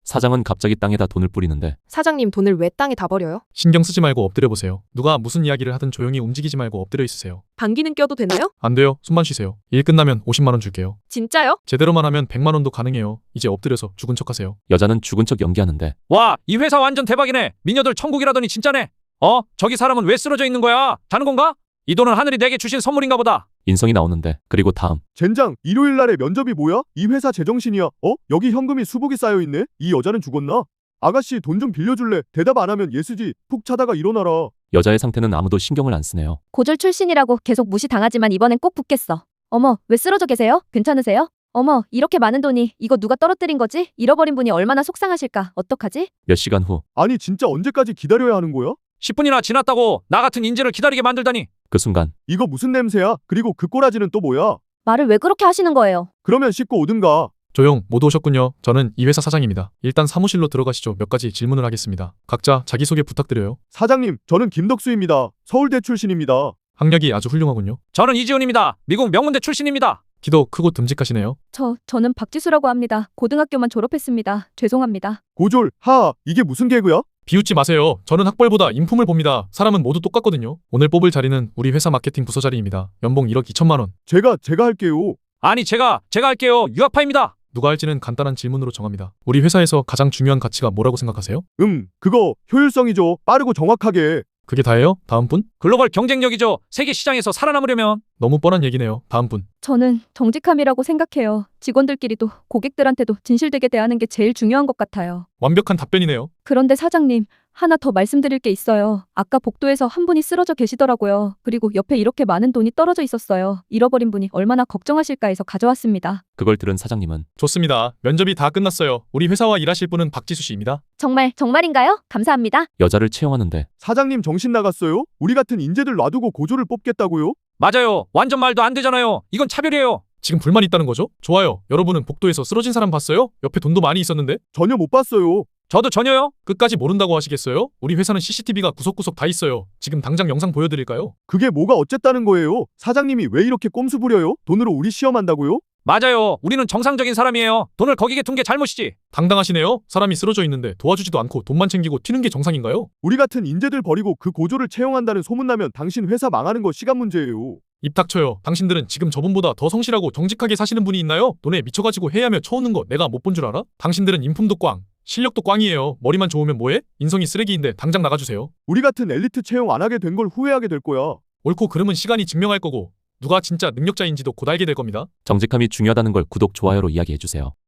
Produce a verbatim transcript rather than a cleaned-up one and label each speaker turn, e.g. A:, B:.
A: 사장은 갑자기 땅에다 돈을 뿌리는데
B: 사장님 돈을 왜 땅에 다 버려요?
C: 신경 쓰지 말고 엎드려 보세요. 누가 무슨 이야기를 하든 조용히 움직이지 말고 엎드려 있으세요.
B: 방귀는 껴도 되나요?
C: 안 돼요. 숨만 쉬세요. 일 끝나면 오십만 원 줄게요.
B: 진짜요?
C: 제대로만 하면 백만 원도 가능해요. 이제 엎드려서 죽은 척하세요.
A: 여자는 죽은 척 연기하는데
D: 와, 이 회사 완전 대박이네. 미녀들 천국이라더니 진짜네. 어? 저기 사람은 왜 쓰러져 있는 거야? 자는 건가? 이 돈은 하늘이 내게 주신 선물인가 보다.
A: 인성이 나오는데 그리고 다음
E: 젠장, 일요일 날에 면접이 뭐야? 이 회사 제정신이야. 어? 여기 현금이 수북이 쌓여있네? 이 여자는 죽었나? 아가씨 돈 좀 빌려줄래? 대답 안 하면 예스지. 푹 자다가 일어나라.
A: 여자의 상태는 아무도 신경을 안 쓰네요.
F: 고졸 출신이라고 계속 무시당하지만 이번엔 꼭 붙겠어. 어머, 왜 쓰러져 계세요? 괜찮으세요? 어머, 이렇게 많은 돈이 이거 누가 떨어뜨린 거지? 잃어버린 분이 얼마나 속상하실까? 어떡하지?
A: 몇 시간 후 그
E: 아니 진짜 언제까지 기다려야 하는 거야?
D: 십 분이나 지났다고 나 같은 인재를 기다리게 만들다니.
A: 그 순간
E: 이거 무슨 냄새야? 그리고 그 꼬라지는 또 뭐야?
F: 말을 왜 그렇게 하시는 거예요?
E: 그러면 씻고 오든가.
C: 조용, 모두 오셨군요. 저는 이 회사 사장입니다. 일단 사무실로 들어가시죠. 몇 가지 질문을 하겠습니다. 각자 자기소개 부탁드려요.
E: 사장님, 저는 김덕수입니다. 서울대 출신입니다.
C: 학력이 아주 훌륭하군요.
D: 저는 이지훈입니다. 미국 명문대 출신입니다.
C: 키도 크고 듬직하시네요.
F: 저, 저는 박지수라고 합니다. 고등학교만 졸업했습니다. 죄송합니다.
E: 고졸, 하하, 이게 무슨 개그야?
C: 비웃지 마세요. 저는 학벌보다 인품을 봅니다. 사람은 모두 똑같거든요. 오늘 뽑을 자리는 우리 회사 마케팅 부서 자리입니다. 연봉 일억 이천만 원.
E: 제가, 제가 할게요.
D: 아니 제가 제가 할게요. 유학파입니다.
C: 누가 할지는 간단한 질문으로 정합니다. 우리 회사에서 가장 중요한 가치가 뭐라고 생각하세요?
E: 음, 그거 효율성이죠. 빠르고 정확하게.
C: 그게 다예요? 다음 분?
D: 글로벌 경쟁력이죠. 세계 시장에서 살아남으려면.
C: 너무 뻔한 얘기네요. 다음 분.
F: 저는 정직함이라고 생각해요. 직원들끼리도 고객들한테도 진실되게 대하는 게 제일 중요한 것 같아요.
C: 완벽한 답변이네요.
F: 그런데 사장님, 하나 더 말씀드릴 게 있어요. 아까 복도에서 한 분이 쓰러져 계시더라고요. 그리고 옆에 이렇게 많은 돈이 떨어져 있었어요. 잃어버린 분이 얼마나 걱정하실까 해서 가져왔습니다.
A: 그걸 들은 사장님은
C: 좋습니다. 면접이 다 끝났어요. 우리 회사와 일하실 분은 박지수 씨입니다.
F: 정말, 정말인가요? 감사합니다.
A: 여자를 채용하는데
E: 사장님 정신 나갔어요? 우리 같은 인재들 놔두고 고졸을 뽑겠다고요?
D: 맞아요. 완전 말도 안 되잖아요. 이건 차별이에요.
C: 지금 불만 있다는 거죠? 좋아요. 여러분은 복도에서 쓰러진 사람 봤어요? 옆에 돈도 많이 있었는데?
E: 전혀 못 봤어요.
D: 저도 전혀요.
C: 끝까지 모른다고 하시겠어요? 우리 회사는 씨씨티비가 구석구석 다 있어요. 지금 당장 영상 보여드릴까요?
E: 그게 뭐가 어쨌다는 거예요? 사장님이 왜 이렇게 꼼수 부려요? 돈으로 우리 시험한다고요?
D: 맞아요. 우리는 정상적인 사람이에요. 돈을 거기에 둔 게 잘못이지.
C: 당당하시네요. 사람이 쓰러져 있는데 도와주지도 않고 돈만 챙기고 튀는 게 정상인가요?
E: 우리 같은 인재들 버리고 그 고졸을 채용한다는 소문나면 당신 회사 망하는 거 시간 문제예요.
C: 입 닥쳐요. 당신들은 지금 저분보다 더 성실하고 정직하게 사시는 분이 있나요? 돈에 미쳐가지고 해야며 쳐오는 거 내가 못 본 줄 알아? 당신들은 인품도 꽝, 실력도 꽝이에요. 머리만 좋으면 뭐해? 인성이 쓰레기인데 당장 나가주세요.
E: 우리 같은 엘리트 채용 안 하게 된 걸 후회하게 될 거야.
C: 옳고 그름은 시간이 증명할 거고 누가 진짜 능력자인지도 곧 알게 될 겁니다.
A: 정직함이 중요하다는 걸 구독, 좋아요로 이야기해주세요.